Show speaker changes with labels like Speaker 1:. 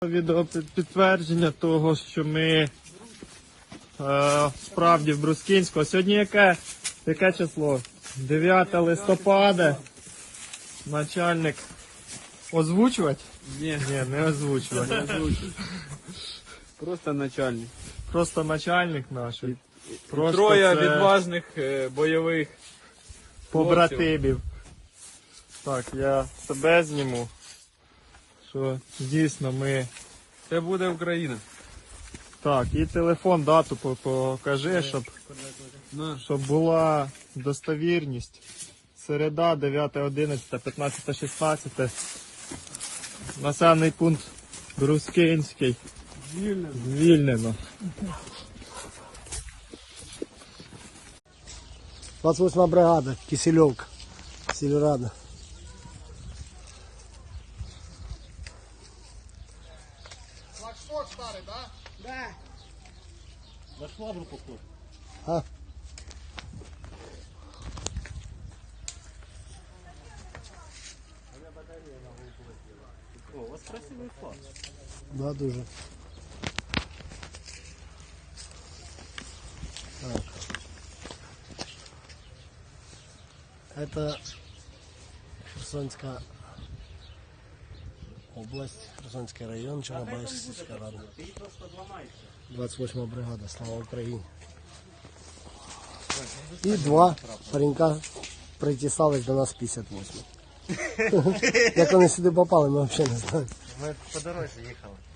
Speaker 1: Відео підтвердження того, що ми справді в Брускінську. Сьогодні яке число? 9 листопада. Начальник озвучувати?
Speaker 2: Ні,
Speaker 1: Не озвучувати.
Speaker 2: просто начальник.
Speaker 1: Просто начальник наш. Просто
Speaker 2: Троє
Speaker 1: це
Speaker 2: відважних бойових
Speaker 1: побратимів. Так, я себе зніму. Що дійсно ми...
Speaker 2: Це буде Україна.
Speaker 1: Так, і телефон, дату покажи, щоб була достовірність. Середа, 9.11, 15.16. Населений пункт Брускинський. Звільнено.
Speaker 3: 28-я бригада, Кисельовка, Сільрада.
Speaker 4: Флагшток старый, да? Да. На швабру похож.
Speaker 3: А?
Speaker 4: О, у вас красивый флаг.
Speaker 3: Да, дуже. Так. Это Херсонская область, Херсонский район, Чорнобайська сільська рада. 28-я бригада, слава Україні. І два паренька притісались до нас 58. Як вони сюди попали, ми взагалі не знаємо.
Speaker 4: Ми по дорозі їхали.